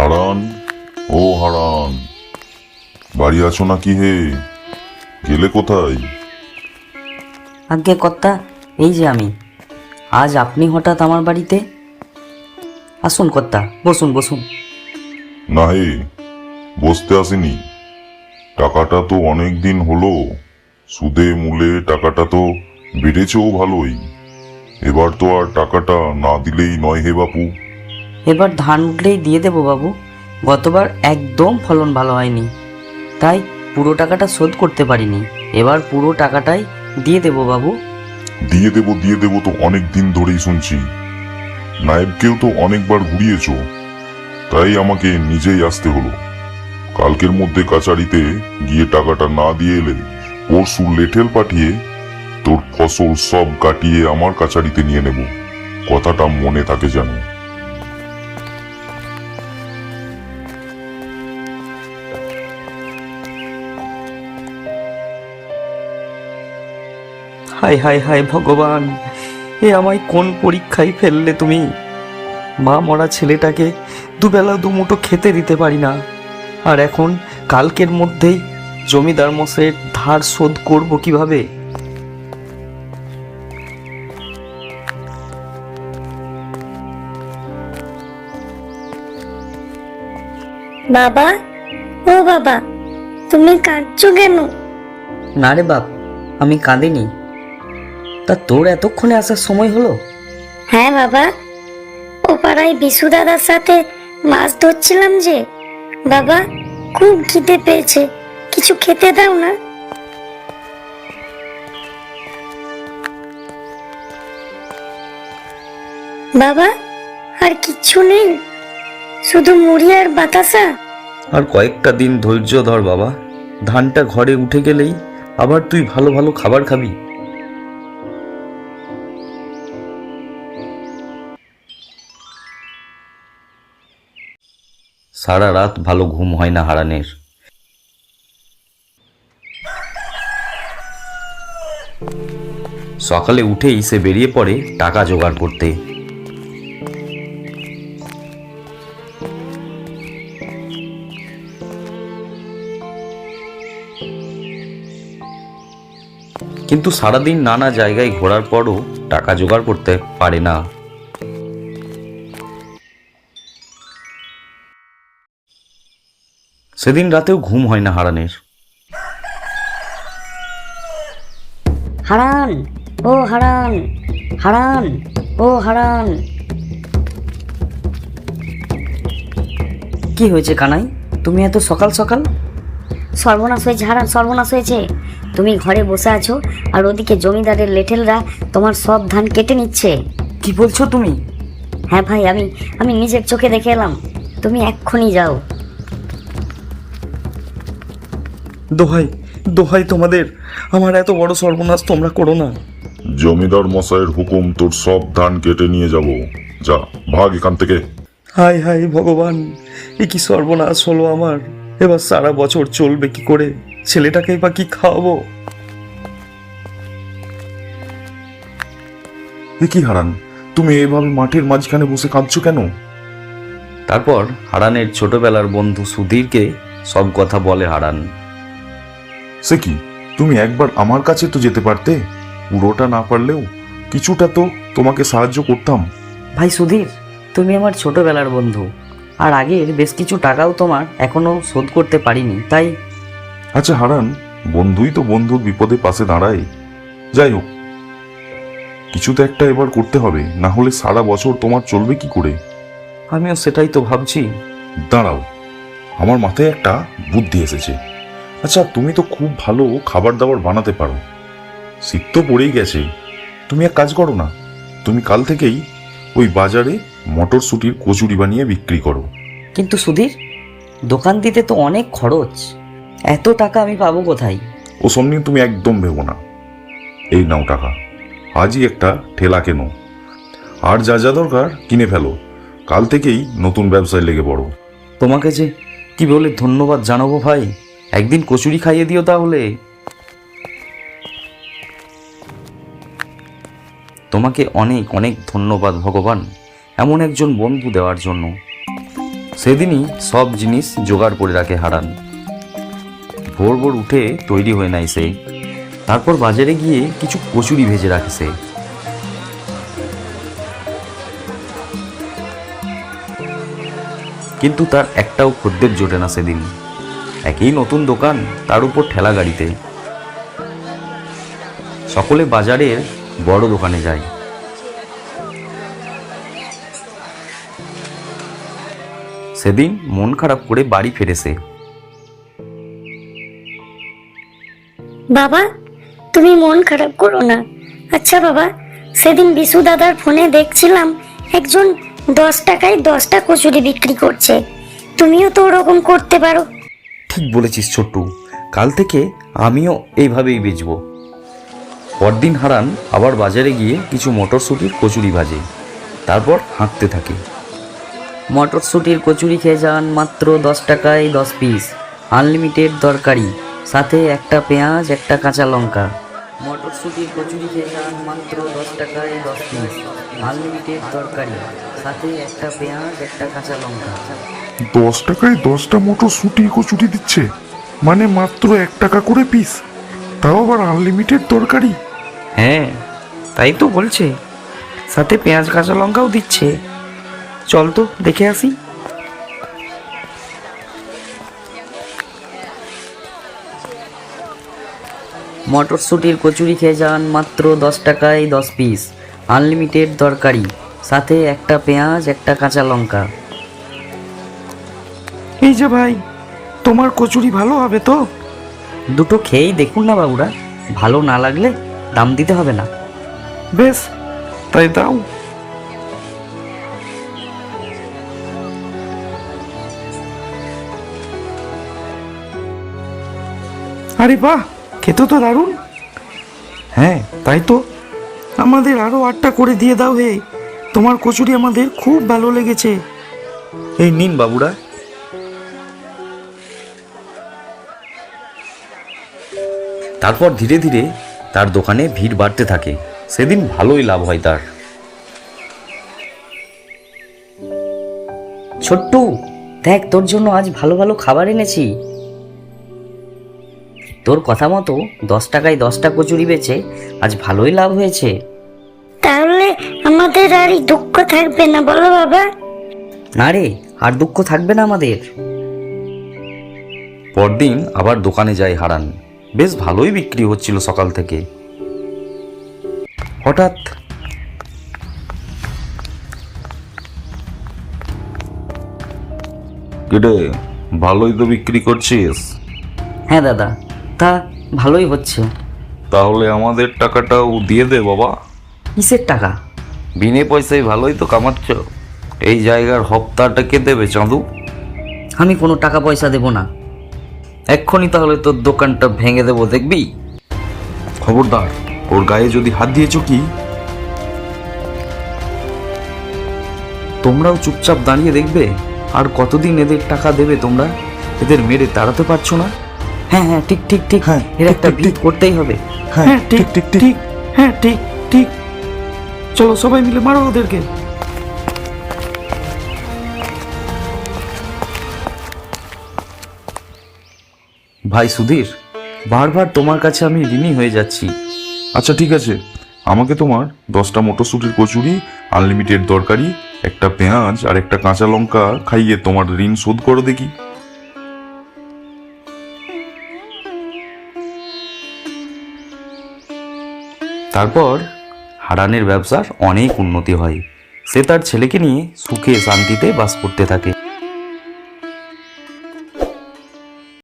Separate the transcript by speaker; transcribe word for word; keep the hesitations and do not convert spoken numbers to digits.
Speaker 1: হারান, ও হারান, বাড়ি আছো নাকি হে? গেলে কোথায়?
Speaker 2: আজ্ঞে কর্তা, এই যে আমি। আজ আপনি হঠাৎ আমার বাড়িতে? আসুন কর্তা, বসুন বসুন।
Speaker 1: না হে, বসতে আসিনি। টাকাটা তো অনেক দিন হলো, সুদে মূলে টাকাটা তো বেড়েছেও ভালোই। এবার তো আর টাকাটা না দিলেই নয় হে বাপু।
Speaker 2: এবার ধান উঠলেই দিয়ে দেবো বাবু। গতবার একদম ফলন ভালো হয়নি, তাই পুরো টাকাটা শোধ করতে পারিনি। এবার পুরো টাকাটাই দিয়ে দেবো বাবু।
Speaker 1: দিয়ে দেবো দিয়ে দেবো তো অনেক দিন ধরেই শুনছি। নায়েবকেও তো অনেকবার ঘুরিয়েছ, তাই আমাকে নিজেই আসতে হলো। কালকের মধ্যে কাচারিতে গিয়ে টাকাটা না দিয়ে এলে পরশু লেঠেল পাঠিয়ে তোর ফসল সব কাটিয়ে আমার কাচারিতে নিয়ে নেব। কথাটা মনে থাকে যেন।
Speaker 2: হায় হায় হায় ভগবান, এ আমায় কোন পরীক্ষায় ফেললে তুমি? মা মরা ছেলেটাকে দুবেলা দুমুঠো খেতে দিতে পারি না, আর এখন কালকের মধ্যেই জমিদার মশাইয়ের ধার শোধ করব কিভাবে?
Speaker 3: বাবা, ও বাবা, তুমি কাঁদছো কেন?
Speaker 2: না রে বাপ, আমি কাঁদিনি। তা তোর এতক্ষণে আসার সময় হলো?
Speaker 3: হ্যাঁ বাবা, ও পাড়ায় বিশু দাদার সাথে মাছ ধরছিলাম যে। বাবা, খুব খিদে পেয়েছে, কিছু খেতে দাও না। বাবা, আর কিচ্ছু নেই? শুধু মুড়ি আর বাতাসা?
Speaker 2: আর কয়েকটা দিন ধৈর্য ধর বাবা। ধানটা ঘরে উঠে গেলেই আবার তুই ভালো ভালো খাবার খাবি। সারা রাত ভালো ঘুম হয় না হারানের। সকালে উঠেই সে বেরিয়ে পড়ে টাকা জোগাড় করতে। কিন্তু সারাদিন নানা জায়গায় ঘোরার পরও টাকা জোগাড় করতে পারে না। সেদিন রাতেও ঘুম হয় না হারানের।
Speaker 4: হারান, ও হারান, হারান, ও হারান।
Speaker 2: কি হয়েছে কানাই, তুমি এত সকাল সকাল?
Speaker 4: সর্বনাশ হয়েছে হারান, সর্বনাশ হয়েছে। তুমি ঘরে বসে আছো আর ওদিকে জমিদারের লেঠেলরা তোমার সব ধান কেটে নিচ্ছে।
Speaker 2: কি বলছো তুমি?
Speaker 4: হ্যাঁ ভাই, আমি আমি নিজের চোখে দেখে এলাম। তুমি এক্ষুনি যাও।
Speaker 5: দোহাই দোহাই তোমাদের, আমার এত বড় সর্বনাশ তোমরা করো না।
Speaker 1: জমিদার মশাইয়ের হুকুম, তোর সব ধান কেটে নিয়ে যাব। যা, ভাগ এখান থেকে।
Speaker 5: হাই হাই ভগবান, এ কি সর্বনাশ হলো আমার। এবার সারা বছর চলবে কি করে? ছেলেটাকে বা কি খাওয়াবো?
Speaker 1: এ কি হারান, তুমি এভাবে মাঠের মাঝখানে বসে কাঁদছো কেন?
Speaker 2: তারপর হারানের ছোটবেলার বন্ধু সুধীরকে সব কথা বলে হারান।
Speaker 1: সে কি, তুমি একবার আমার কাছে তো যেতে পারতে। পুরোটা না পারলেও কিছুটা তো তোমাকে সাহায্য করতাম।
Speaker 2: ভাই সুধীর, তুমি আমার ছোটবেলার বন্ধু, আর আগের বেশ কিছু টাকাও তোমার এখনো শোধ করতে পারিনি, তাই।
Speaker 1: আচ্ছা হারান, বন্ধুই তো বন্ধুর বিপদে পাশে দাঁড়ায়। যাই হোক, কিছু তো একটা এবার করতে হবে, না হলে সারা বছর তোমার চলবে কি করে?
Speaker 2: আমিও সেটাই তো ভাবছি।
Speaker 1: দাঁড়াও, আমার মাথায় একটা বুদ্ধি এসেছে। আচ্ছা, তুমি তো খুব ভালো খাবার দাবার বানাতে পারো, শীত তো পড়েই গেছে। তুমি এক কাজ করো না, তুমি কাল থেকেই ওই বাজারে মটরশুঁটির কচুরি বানিয়ে বিক্রি করো।
Speaker 2: কিন্তু সুধীর, দোকান দিতে তো অনেক খরচ, এত টাকা আমি পাবো কোথায়?
Speaker 1: ও সব নিয়ে তুমি একদম ভেবো না। এই নাও টাকা, আজই একটা ঠেলা কেনো, আর যা যা দরকার কিনে ফেলো। কাল থেকেই নতুন ব্যবসায় লেগে পড়ো।
Speaker 2: তোমাকে যে কি বলে ধন্যবাদ জানাবো ভাই, একদিন কচুরি খাইয়ে দিও তাহলে। তোমাকে অনেক অনেক ধন্যবাদ ভগবান, এমন একজন বন্ধু দেওয়ার জন্য। সেদিনই সব জিনিস জোগাড় করে রাখে হারান। ভোর ভোর উঠে তৈরি হয়ে নেয় সে। তারপর বাজারে গিয়ে কিছু কচুরি ভেজে রাখে সে। কিন্তু তার একটাও খদ্দের জোটে না সেদিন। একই নতুন দোকান, তার উপর ঠেলা গাড়িতে। সকলে বাজারের বড় দোকানে যায়। সেদিন মন খারাপ করে বাড়ি ফেরেছে।
Speaker 3: বাবা, তুমি মন খারাপ করো না। আচ্ছা বাবা, সেদিন বিশু দাদার ফোনে দেখছিলাম একজন দশ টাকায় দশটা কচুরি বিক্রি করছে। তুমিও তো ওরকম করতে পারো।
Speaker 2: ঠিক বলেছিস ছোট্টু, কাল থেকে আমিও এইভাবেই বেচবো। পরদিন হারান আবার বাজারে গিয়ে কিছু মটরশুঁটির কচুরি ভাজে, তারপর হাঁকতে থাকে।
Speaker 4: মটরশুঁটির কচুরি খেয়ে যান মাত্র দশ টাকায় দশ পিস, আনলিমিটেড তরকারি, সাথে একটা পেঁয়াজ একটা কাঁচা লঙ্কা। মটরশুঁটির কচুরি খেয়ে যান মাত্র দশ টাকায় দশ পিস, আনলিমিটেড তরকারি, সাথে একটা পেঁয়াজ একটা কাঁচা লঙ্কা।
Speaker 1: দশ টাকায় দশটা মটরশুঁটি কচুরি দিচ্ছে, মানে মাত্র এক টাকা করে পিস, তাও আবার আনলিমিটেড তরকারি।
Speaker 2: হ্যাঁ, তাই তো বলছে, সাথে পেঁয়াজ কাঁচা লঙ্কাও দিচ্ছে। চল তো দেখে আসি।
Speaker 4: মটরশুঁটির কচুরি খেয়ে যান মাত্র দশ টাকায় দশ পিস, আনলিমিটেড তরকারি, সাথে একটা পেঁয়াজ একটা কাঁচা লঙ্কা।
Speaker 2: এই যে ভাই, তোমার কচুরি ভালো হবে তো?
Speaker 4: দুটো খেয়েই দেখুন না বাবুরা, ভালো না লাগলে দাম দিতে হবে না।
Speaker 2: বেশ, তাই দাও। আরে বাহ, খেতে তো দারুণ। হ্যাঁ তাই তো, আমাদের আরো আটটা করে দিয়ে দাও হে, তোমার কচুরি আমাদের খুব ভালো লেগেছে। এই নিন বাবুরা। তারপর ধীরে ধীরে তার দোকানে ভিড় বাড়তে থাকে। সেদিন ভালোই লাভ হয় তার।
Speaker 4: ছোট্টু, দেখ তোর জন্য আজ ভালো ভালো খাবার এনেছি। তোর কথা মতো দশ টাকায় দশটা কচুরি বেচে আজ ভালোই লাভ হয়েছে।
Speaker 3: তাহলে আমাদের আর এই দুঃখ থাকবে না, বলো বাবা?
Speaker 4: না রে, আর দুঃখ থাকবে না আমাদের।
Speaker 2: পরদিন আবার দোকানে যায় হারান। বেশ ভালোই বিক্রি হচ্ছিল সকাল থেকে। হঠাৎ কিরে, ভালোই তো বিক্রি করছিস।
Speaker 4: হ্যাঁ দাদা, তা ভালোই হচ্ছে।
Speaker 2: তাহলে আমাদের টাকাটাও দিয়ে দে বাবা।
Speaker 4: কিসের টাকা?
Speaker 2: বিনে পয়সায় ভালোই তো কামাচ্ছ। এই জায়গার হপ্তাটা কে দেবে চাঁদু?
Speaker 4: আমি কোনো টাকা পয়সা দেব না।
Speaker 2: এক্ষুনি তাহলে তোর দোকানটা ভেঙে দেবো, দেখবি। খবরদার, ওর গায়ে যদি হাত দিয়েছ কি। তোমরাও চুপচাপ দাঁড়িয়ে দেখবে আর কতদিন এদের টাকা দেবে তোমরা? এদের মেরে তাড়াতে পারছো না।
Speaker 4: হ্যাঁ হ্যাঁ, ঠিক ঠিক ঠিক,
Speaker 5: হ্যাঁ,
Speaker 4: এর
Speaker 5: ঠিক,
Speaker 4: একটা
Speaker 5: ঠিক,
Speaker 4: বিল
Speaker 5: ঠিক।
Speaker 4: করতেই হবে।
Speaker 5: হ্যাঁ ঠিক ঠিক ঠিক।
Speaker 2: হ্যাঁ ঠিক ঠিক, চলো সবাই মিলে মারো ওদেরকে। ভাই সুধীর, বারবার তোমার কাছে আমি ঋণী হয়ে যাচ্ছি।
Speaker 1: আচ্ছা ঠিক আছে, আমাকে তোমার দশটা মটরশুঁটির কচুরি, আনলিমিটেড তরকারি, একটা পেঁয়াজ আর একটা কাঁচা লঙ্কা খাইয়ে তোমার ঋণ শোধ করো দেখি।
Speaker 2: তারপর হারানের ব্যবসার অনেক উন্নতি হয়। সে তার ছেলেকে নিয়ে সুখে শান্তিতে বাস করতে থাকে।